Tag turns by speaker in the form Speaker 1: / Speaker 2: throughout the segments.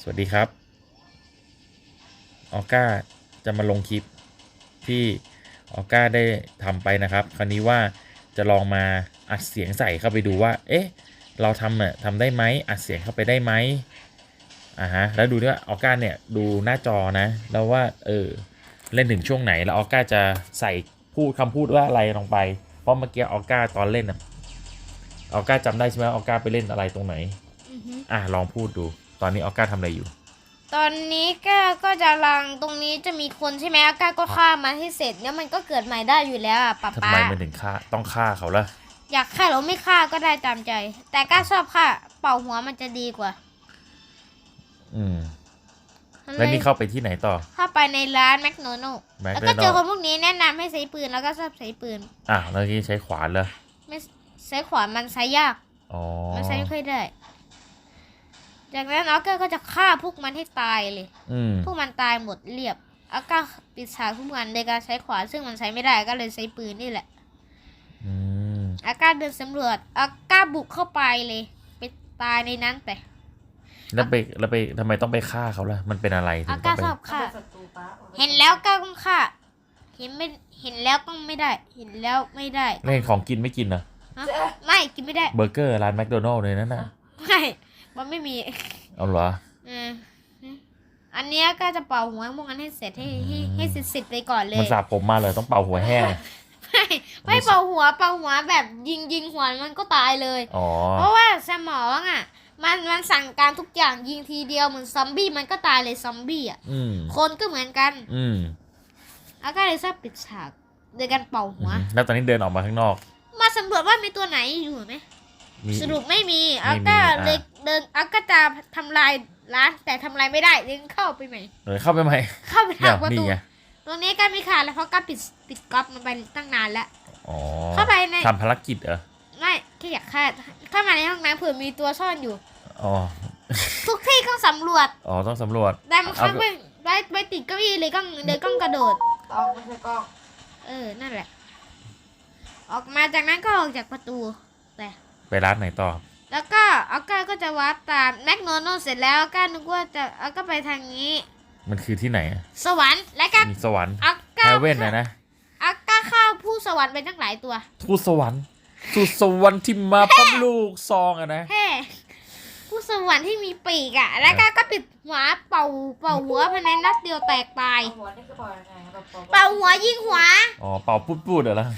Speaker 1: สวัสดีครับออก้าจะมาลงคลิปที่ออก้าได้ทำไปนะครับคราวนี้ว่าจะลองมาอัดเสียงใส่เข้าไปดูว่าเอ๊ะเราทำได้ไหมอัดเสียงเข้าไปได้ไหมแล้วดูด้วยออก้าเนี่ยดูหน้าจอนะแล้วว่าเล่นถึงช่วงไหนแล้วออก้าจะใส่คำพูดว่าอะไรลงไปเพราะเมื่อกี้ออก้าตอนเล่นออก้าจำได้ใช่ไหมออก้าไปเล่นอะไรตรงไหนลองพูดดูตอนนี้ออก้าทำอะไรอยู่
Speaker 2: ตอนนี้ก็จะลังตรงนี้จะมีคนใช่ไหมอาก้าก็ฆ่ามันให้เสร็จเนี่ยมันก็เกิดใหม่ได้อยู่แล้วป๊า
Speaker 1: ทำไมมันถึงต้องฆ่าเขาล่ะ
Speaker 2: อยากฆ่าหรือไม่ฆ่าก็ได้ตามใจแต่ก้าชอบฆ่าเป่าหัวมันจะดีกว่า
Speaker 1: แล้วนี่เข้าไปที่ไหนต่อ
Speaker 2: เข้าไปในร้านแมคโดนัลด์แล้วก็เจอคนพวกนี้แนะนำให้ใช้ปืนแล้วก็ชอบใช้ปืน
Speaker 1: แล้วนี่ใช้ขวานเลย
Speaker 2: ไม่ใช้ขวานมันใช้ยากมันใช้ไม่ค่อยได้จากนั้นออก้าก็จะฆ่าพวกมันให้ตายเลยพวกมันตายหมดเรียบออก้าปิดฉากพวกมันโดยการใช้ขวานซึ่งมันใช้ไม่ได้ก็เลยใช้ปืนนี่แหละออก้าเดินสำรวจออก้าบุกเข้าไปเลยไปตายในนั้นไป
Speaker 1: แล้วไปทำไมต้องไปฆ่าเขาล่ะมันเป็นอะไรถึงต้องไป
Speaker 2: ชอบฆ่าเห็นแล้วก้าต้องฆ่าเห็นแล้วต้องไม่ได้เห็นแล้วไม่ได้
Speaker 1: เล่นของกินไม่กินเหรอ
Speaker 2: ไม่กินไม่ได้
Speaker 1: เบอร์เกอร์ร้านแมคโดนัลด์เลยนั่นน่ะ
Speaker 2: ไม่มันไม่มี
Speaker 1: เอาเหรอ
Speaker 2: อันนี้ก็จะเป่าหัวพวกนั้นให้เสร็จให้เสร็จไปก่อนเลย
Speaker 1: มันสาบผมมาเลยต้องเป่าหัวแห้ง
Speaker 2: ไม่เป่าหัวแบบยิงหัวมันก็ตายเลยเพราะว่าสมองมันสั่งการทุกอย่างยิงทีเดียวเหมือนซอมบี้มันก็ตายเลยซอมบี้คนก็เหมือนกันแล้วก็เลยชอบปิดฉากโดยการเป่าหัว
Speaker 1: แล้วตอนนี้เดินออกมาข้างนอก
Speaker 2: มาสำรวจว่ามีตัวไหนอยู่ไหมสรุปไม่มีอาก้าเลยเดินอาก้าจะทำลายร้านแต่ทำลายไม่ได้เลยเข้าไปใหม่
Speaker 1: เข้าไป
Speaker 2: ทางประตูตรงนี้ก็มีขาดแล้วเพราะก็ปิดก๊อปมันไปตั้งนานแล้วเข้าไปใน
Speaker 1: ทำภารกิจเหรอ
Speaker 2: ไม่แค่อยากเข้ามาในห้องน้ำเผื่อมีตัวซ่อนอยู่ทุกที่ต้องสำรวจ
Speaker 1: ต้องสำรวจ
Speaker 2: แต่มันเข้าไปติดเก้าอี้เลยก้องกระโดด
Speaker 3: ไม่ใช่กล้อง
Speaker 2: นั่นแหละออกมาจากนั้นก็ออกจากประตู
Speaker 1: ไปร้านไหนต่อ
Speaker 2: แล้วก็ออก้าก็จะวัดตามแมคโดนัลด์เสร็จแล้วออก้านึกว่าจะออก้าไปทางนี้
Speaker 1: มันคือที่ไหน
Speaker 2: สวรรค์และก็
Speaker 1: มีสวรรค์
Speaker 2: ออก้า
Speaker 1: เฮเว่นนะ
Speaker 2: ออก้าฆ่าผู้สวรรค์ไปตั้งหลายตัว
Speaker 1: ผู้สวรรค์สู่สวรรค์ที่มาพร้อมลูกซองนะ
Speaker 2: ผู้สวรรค์ที่มีปีกแล้วก็ปิดหัวเป่าหัวภายในนัดเดียวแตกตายเป่าหัวยิงหัว
Speaker 1: เป่าพูดเหรอ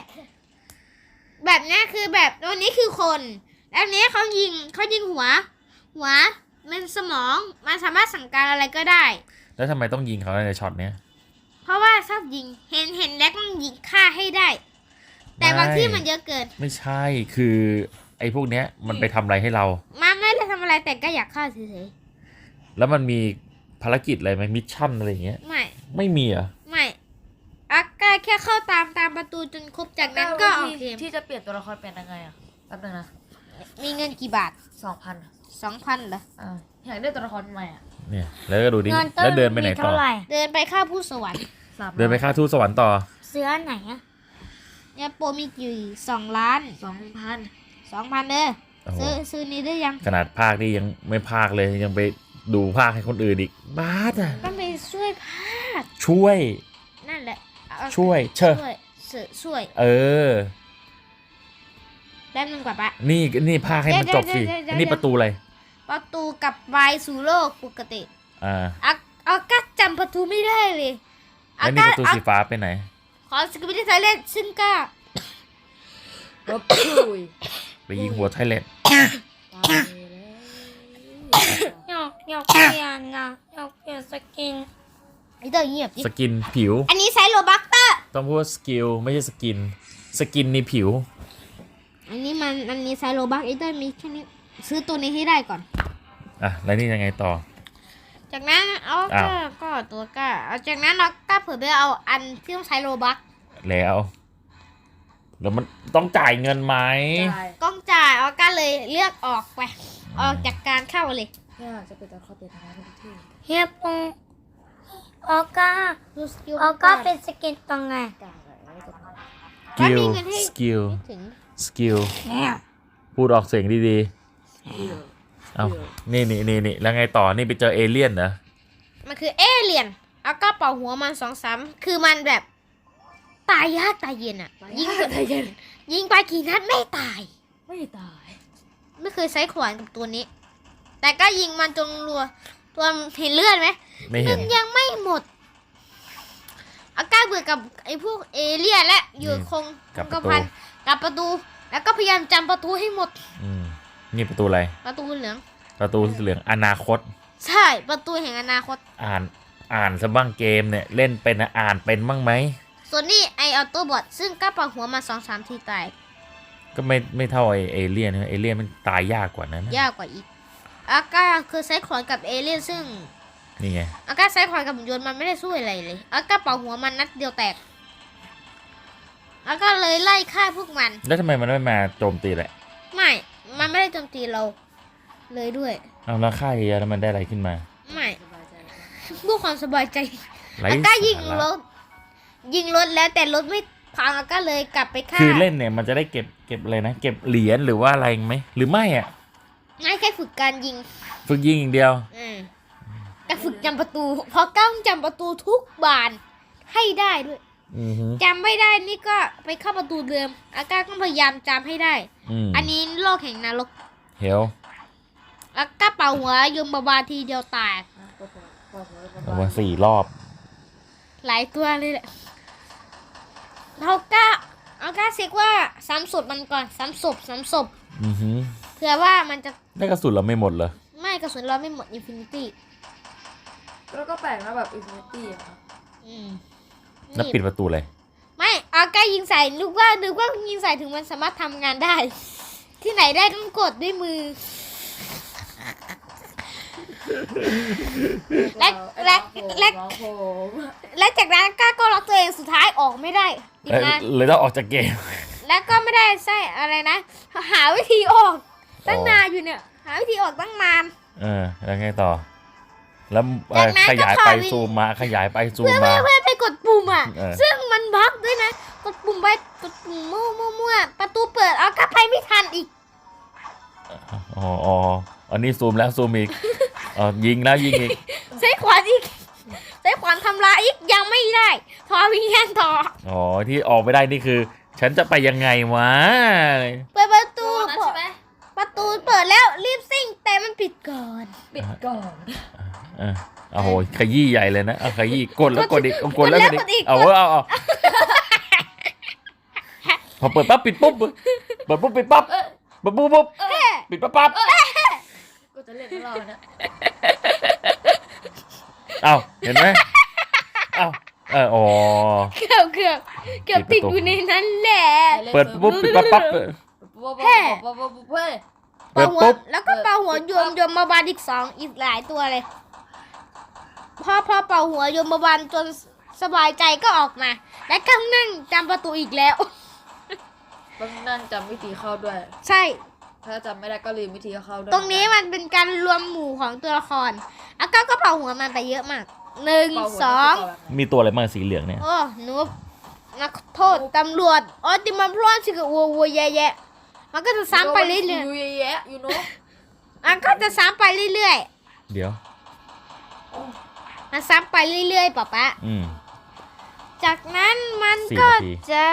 Speaker 2: แบบนี้คือแบบวันนี้คือคนแล้วนี้เขายิงหัวมันสมองมันสามารถสั่งการอะไรก็ได้
Speaker 1: แล้วทำไมต้องยิงเขาในช็อตเนี้ย
Speaker 2: เพราะว่าชอบยิงเห็นแล้วต้องยิงฆ่าให้ได้แต่บางที่มันเยอะเกิน
Speaker 1: ไม่ใช่คือไอ้พวกเนี้ยมันไปทำอะไรให้เรา
Speaker 2: ไม่ได้ทำอะไรแต่ก็อยากฆ่าเฉย
Speaker 1: ๆแล้วมันมีภารกิจอะไรไหมมิชชั่นอะไรอย่างเงี้ยไม่มีอ่ะ
Speaker 2: ไม่อาก้าแค่เข้าตามประตูจนครบจากนั้นก็ออกเกม
Speaker 3: ที่จะเปลี่ยนตัวละครเป็นยังไงแป๊บนึงนะ
Speaker 2: มีเงินกี่บาท 2,000เหรอ
Speaker 3: อยากได้ตัวละครใหม่
Speaker 1: เนี่ยแล้วก็ดูดิแล้วเดินไปไหนต่อ
Speaker 2: เดินไปฆ่าผู้สวรรค์
Speaker 1: เดินไปฆ่าทูตสวรรค์ต่อ
Speaker 2: เสื้อไหนเนี่ยโปรมีกี่2 ล้าน 2,000เด้อซื้อนี้ได้ยัง
Speaker 1: ขนาดภาคนี่ยังไม่ภาคเลยยังไปดูภาคให้คนอื่นอีกบ้า
Speaker 2: ต้องไปช่วยภาค
Speaker 1: ช่วย
Speaker 2: นั่นแหละ
Speaker 1: ช่วย
Speaker 2: ได้นึงกว่าปะ
Speaker 1: นี่ภาคให้มันจบสิอันนี้ประตูอะไร
Speaker 2: ประตูกับวายสู่โลกปกติอาก้าจำประตูไม่ได้เลย
Speaker 1: แล้วนี่ประตูสีฟ้าไปไหน
Speaker 2: ขอสกิปปี้ไทยแลนด์ซึ่งก้า
Speaker 1: ไปยิงหัวไทยแลนด์
Speaker 2: อยากเปลี่ยนสกินไอ้ตัวเงียบ
Speaker 1: สกินผิว
Speaker 2: อันนี้ใช้โลบัคเตอร์
Speaker 1: ต้องพูดสกิลไม่ใช่สกินในผิว
Speaker 2: อันนี้ใช้โลบัคไอ้ตัวมีแค่นี้ซื้อตัวนี้ให้ได้ก่อน
Speaker 1: แล้วนี่ยังไงต่อ
Speaker 2: จากนั้นก็ตัวก้าจากนั้นเราก็เผื่อไปเอาอันที่ต้องใช้โลบัค
Speaker 1: แล้วมันต้องจ่ายเงินไหม
Speaker 2: ต้องจ่ายก็เลยเลือกออกไปออกจากการเข้าเลย
Speaker 3: จะเป็นตัวเขาเป็นอะไรทุกที่
Speaker 2: เฮียปงออก้าเป็นสกินตรงไง
Speaker 1: สกิลพูดออกเสียงดีเอานี่แล้วไงต่อนี่ไปเจอเอเลี่ยนเหรอ
Speaker 2: มันคือเอเลี่ยนอาก้าเป่าหัวมัน2-3คือมันแบบตายยากตายเย็นอ่ะ ยิง
Speaker 3: ใจเย็น
Speaker 2: ยิงไปกี่นัดไม่ตาย
Speaker 3: ไม่ตาย
Speaker 2: ไม่เคยใช้ขวานกับตัวนี้ แต่ก็ยิงมันจนรัว ตัวมันเห็นเลือดไหม
Speaker 1: ไม่เห็น
Speaker 2: มันยังไม่หมดอาก้าเบื่อกับไอ้พวกเอเลี่ยนและอยู่คง
Speaker 1: กับ
Speaker 2: ก
Speaker 1: ประตู
Speaker 2: พันกับประตู แล้วก็พยายามจำประตูให้หมด
Speaker 1: นี่ประตูอะไร
Speaker 2: ประตูเหลือง
Speaker 1: ประตูเหลืองอนาคต
Speaker 2: ใช่ประตูแห่งอนาคต
Speaker 1: อ่านซะบ้างเกมเนี่ยเล่นเป็นอ่านเป็นบ้างไหม
Speaker 2: ส่วนนี้ไอออโต้บอทซึ่งก็เป่าหัวมา2-3 ทีตาย
Speaker 1: ก็ไม่เท่าไอเอเลี่ยนนะเอเลี่ยนมันตายยากกว่านั้นนะ
Speaker 2: ยากกว่าอีกอาก้าคือใช้ขวานกับเอเลี่ยนซึ่ง
Speaker 1: นี่ไง
Speaker 2: อาก้าใช้ขวานกับหุ่นยนต์มันไม่ได้สู้อะไรเลยอาก้าเป่าหัวมันนัดเดียวแตกอาก้าเลยไล่ฆ่าพวกมัน
Speaker 1: แล้วทำไมมันไม่มาโจมตีแหละ
Speaker 2: ไม่ มันไม่ได้โจมตีเราเลยด้วย
Speaker 1: เอาแล้วฆ่าเยอะแล้วมันได้อะไรขึ้นมา
Speaker 2: ไม่
Speaker 3: สบายใจแล้ว
Speaker 2: เพื่อความสบายใจ
Speaker 1: ไร้
Speaker 2: อาก้ายิง
Speaker 1: สาร
Speaker 2: รถยิงรถแล้วแต่รถไม่พังอาก้าเลยกลับไปฆ่า
Speaker 1: คือเล่นเนี่ยมันจะได้เก็บอะไรนะเก็บเหรียญหรือว่าอะไรไหมหรือไม่อ่ะ
Speaker 2: ไม่แค่ฝึกการยิง
Speaker 1: ฝึกยิงอย่างเดียว
Speaker 2: แต่ฝึกจำประตูเพราะก้าจำประตูทุกบานให้ได้ด้วย
Speaker 1: อือฮึ
Speaker 2: จำไม่ได้นี่ก็ไปเข้าประตูเดิมอาก้าก็พยายามจำให้ได้
Speaker 1: ม
Speaker 2: อันนี้โลกแห่งนรก
Speaker 1: เฮล
Speaker 2: อาก้าเป่าหัวยมบาทีเดียวตาย
Speaker 3: นะปวดหัว
Speaker 1: เอามา4 รอบ
Speaker 2: หลายตัวเลยแหละอาก้าเช็คว่าซ้ำศพมันก่อนซ้ำศพ
Speaker 1: อือฮึ
Speaker 2: เผื่อว่ามันจะ
Speaker 1: ได้กระสุนเราไม่หมดเหรอ
Speaker 2: ไม่กระสุนเราไม่หมดอินฟินิตี้
Speaker 3: แล้วก็แปลกนะแบบอินฟินิตี้อะ
Speaker 1: แล้วปิดประตูเลย
Speaker 2: ไม่อาก้ายิงใส่นึกว่ายิงใส่ถึงมันสามารถทำงานได้ ที่ไหนได้ต้องกดด้วยมือ และ
Speaker 3: ร้องโหม
Speaker 2: และจากนั้นก้าก็ล็อกตัวเองสุดท้ายออกไม่ได้อีกนาน
Speaker 1: เลยต้องออกจากเกม
Speaker 2: แล้วก็ไม่ได้ใช่อะไรนะ หาวิธีออกตั้งนานอยู่เนี่ย หาวิธีออกตั้งนาน
Speaker 1: แล้วไงต่อ แล้ว
Speaker 2: จากนั้น
Speaker 1: ขยาย
Speaker 2: ก็
Speaker 1: ไป
Speaker 2: ถอย
Speaker 1: ซูมมาขยายไปซูม
Speaker 2: เพื่อ
Speaker 1: มา
Speaker 2: ไปกดปุ่มอ่ะ
Speaker 1: เออ
Speaker 2: ซึ่งมันบั๊กด้วยนะ กดปุ่มไปกดปุ่มมั่วประตูเปิดเอากลับไปไม่ทันอีก
Speaker 1: อ๋ออันนี้ซูมแล้วซูมอีกยิงแล้วยิงอีก
Speaker 2: ใช้ขวานอีกใช้ขวานทำลายอีกยังไม่ได้ทอวิญญาณต่อ
Speaker 1: ที่ออกไม่ได้นี่คือ ฉันจะไปยังไงวะ
Speaker 2: เปิดประตู
Speaker 3: ตัวนั้นใช่ไหม
Speaker 2: ประตูเปิดแล้วรีบซิ่งแต่มันปิดก่อน
Speaker 3: ปิดก่อน
Speaker 1: โอ้โหขยี้ใหญ่เลยนะขยี้กดแล้วกดอีกกดแล้วกดอีก
Speaker 2: กดแล้วกดอีก
Speaker 1: เอาพอเปิดปั๊บปิดปุ๊บเปิดปุ๊บปิดปั๊บเปิดปุ๊บปุ๊บปิดปั๊บ
Speaker 3: ก็จะเล่นของเราเนี่ย
Speaker 1: เห็นไหมอ๋อ
Speaker 2: เกือบติดอยู่ในนั้นแหละ
Speaker 1: เปิดปุ๊บปิดปั๊บ
Speaker 3: เฮ้ย
Speaker 2: เป่าหัว
Speaker 1: ปุ๊บ
Speaker 2: แล้วก็เป่าหัวโยมมาบาลอีกหลายตัวเลยพอเป่าหัวโยมมาบาลจนสบายใจก็ออกมา และก็นั่งจำประตูอีกแล้ว
Speaker 3: ต้องนั่งจำวิธีเข้าด้วย
Speaker 2: ใช่
Speaker 3: ถ้าจำไม่ได้ก็ลืมวิธีเข้าด้วย
Speaker 2: ตรงนี้มันเป็นการรวมหมู่ของตัวละครอาก้าก็เป่าหัวมันไปเยอะมาก1 2
Speaker 1: มีตัวอะไรบ้างสีเหลืองเนี่ย
Speaker 2: โอ้หนูนักโทษตำรวจติมันพลอนสิกับวัวแย่ๆมันก็จะซ้ำไปเรื่อย
Speaker 3: ๆยูแยะยูโน่
Speaker 2: ๆมันก็จะซ้ำไปเรื่อย
Speaker 1: เดี๋ยว
Speaker 2: ๆมันซ้ำไปเรื่อยๆป๊า จากนั้นมันก็
Speaker 1: 4 นาที
Speaker 2: จะ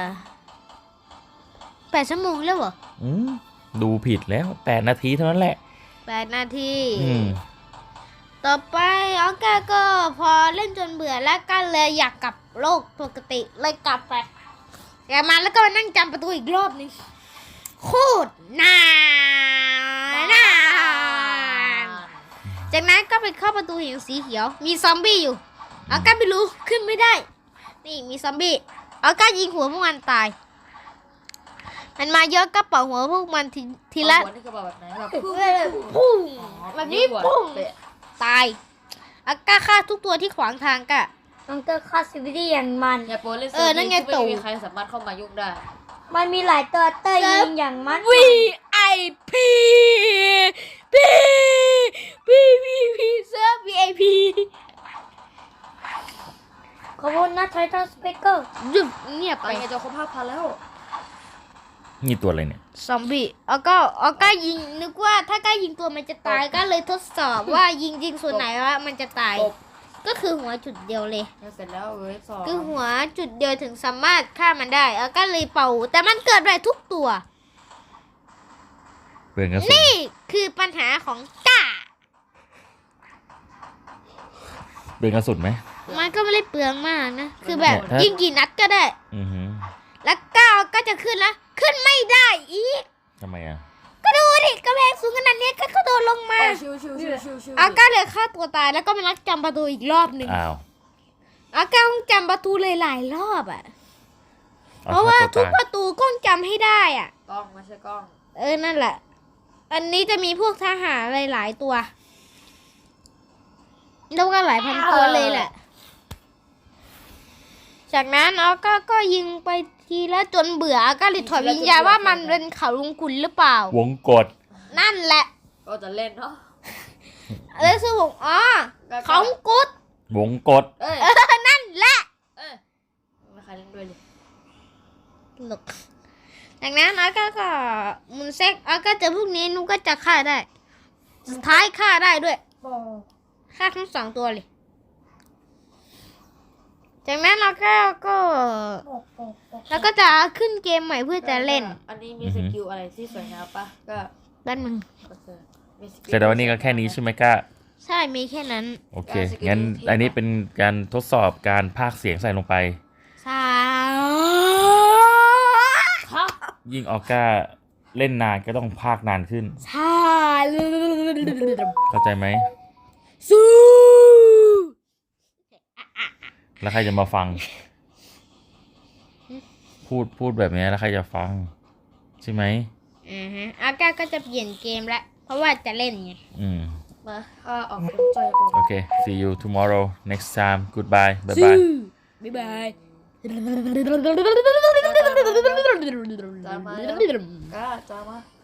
Speaker 2: 8 ชั่วโมงแล้วเหรอ
Speaker 1: ดูผิดแล้ว8 นาทีเท่านั้นแหละ
Speaker 2: 8 นาที
Speaker 1: อืม
Speaker 2: ต่อไปออก้าก็พอเล่นจนเบื่อแล้วก็เลยอยากกลับโลกปกติเลยกลับไปกลับมาแล้วก็มานั่งจำประตูอีกรอบนึงโคตรนานจากนั้นก็ไปเข้าประตูเห็นสีเขียวมีซอมบี้อยู่ออก้าไม่รู้ขึ้นไม่ได้ นี่มีซอมบี้ออก้ายิงหัวพวกมันตายมันมาเยอะก็เป่าหัวพวกมันทีละ
Speaker 3: หัวนี่คือแบบไหนแบบ
Speaker 2: ปุ้งแบบนี้ปุ้งตายอาก้าฆ่าทุกตัวที่ขวางทางกะ
Speaker 4: น้องเตอร์คาสซิวิตี้อย่างมัน
Speaker 3: อย่าโปรเล่น
Speaker 2: นั่นไง
Speaker 3: ไม่
Speaker 2: ตู่
Speaker 3: มีใครสามารถเข้ามายุ่งได้
Speaker 4: มันมีหลายตัวเตอร์ยิงอย่างมัน
Speaker 2: VIP เซิร์ฟ VIP
Speaker 4: ขอบคุณนะไททันสเปกเกอร์
Speaker 2: หยุดเงียบ
Speaker 3: ไป
Speaker 2: ไป
Speaker 3: ไงจะครบ5,000แล้ว
Speaker 1: นี่ตัวอะไรเนี่ย
Speaker 2: ซอมบี้แล้วก็ยิงนึกว่าถ้าก้ายิงตัวมันจะตายก็เลยทดสอบว่ายิงส่วนไหนว่ามันจะตาย
Speaker 3: ตบ
Speaker 2: ก็คือหัวจุดเดียวเลย
Speaker 3: เสร็จแล้วเวฟสอง
Speaker 2: คือหัวจุดเดียวถึงสามารถฆ่ามันได้แล้วก็เลยเป่า แต่มันเกิดได้ทุกตัว
Speaker 1: เปลืองกระสุน
Speaker 2: นี่คือปัญหาของก้า
Speaker 1: เปลืองกระสุนไหม
Speaker 2: มันก็ไม่ได้เปลืองมากนะ คือแบบ
Speaker 1: ถ้า
Speaker 2: ยิงกี่นัดก็ได้
Speaker 1: อือหือ
Speaker 2: แล้วก้าวก็จะขึ้นแล้ว ขึ้นไม่ได้อีก
Speaker 1: ทำไมอ่ะ
Speaker 2: ก็ดูดิกระแพงสูงขนาดนี้ก็กระโดดลงมา
Speaker 3: ชิวชิวชิวชิว
Speaker 2: อาก้าเลยฆ่าตัวตายแล้วก็มานัดจำประตูอีกรอบหนึ่ง
Speaker 1: อ้าว
Speaker 2: อาก้าต้องจำประตูเลยหลายรอบอ่ะ
Speaker 1: อ
Speaker 2: เพราะว่า
Speaker 1: ฆ่
Speaker 2: ทุก
Speaker 1: ตย
Speaker 2: ประตูก็จำให้ได้อ่ะ
Speaker 3: กล้องไม่ใช่กล้อง
Speaker 2: นั่นแหละ อันนี้จะมีพวกทหารหลายๆตัว แล้วก็หลายพันตัวเลยแหละ จากนั้นอาก้าก็ยิงไปทีละจนเบื่ออาก้าเลยถอดวิญญาณว่ามันเป็นเขาลุงกุลหรือเปล่า
Speaker 1: วงกด
Speaker 2: นั่นแหละ
Speaker 3: ก็จะเล่นเนาะ
Speaker 2: แล้วซึ่งผมเขาลุงกุล
Speaker 1: วงกด
Speaker 3: เอ้ย
Speaker 2: นั่นแหละ
Speaker 3: เอ้ยไม่ใครเล่นด้วยเลย
Speaker 2: หลกจากนั้นอาก้าก็มุนเซ็กอาก้าเจอพวกนี้นุก็จะฆ่าได้ สุดท้ายฆ่าได้ด้วย ฆ่าทั้งสองตัวเลย จากนั้นเราก็แล้วก็จะขึ้นเกมใหม่เพื่อจะเล่น
Speaker 3: อันนี้มีสกิลอะไรที่สวยงามปะก็
Speaker 2: ด้านมึง
Speaker 3: โอเคมีสกิล
Speaker 1: แต่ว่านี่ก็แค่นี้ใช่ไหมก้า
Speaker 2: ใช่มีแค่นั้น
Speaker 1: โอเค งั้นอันนี้เป็นการทดสอบการพากย์เสียงใส่ลงไป
Speaker 2: ใช่
Speaker 3: ฮะ
Speaker 1: ยิ่งออก้าเล่นนานก็ต้องพากย์นานขึ้น
Speaker 2: ใช่
Speaker 1: เข้าใจไหม
Speaker 2: สู้
Speaker 1: แล้วใครจะมาฟัง พูดแบบนี้แล้วใครจะฟัง ใช่ไหม
Speaker 2: อาก้าก็จะเปลี่ยนเกมแล้วเพราะว่าจะเล่นไง
Speaker 3: มาข้าออกเป็นใจกู
Speaker 1: โอเค see you tomorrow next time goodbye bye bye
Speaker 2: บ๊ายบาย
Speaker 3: จามาก็จามา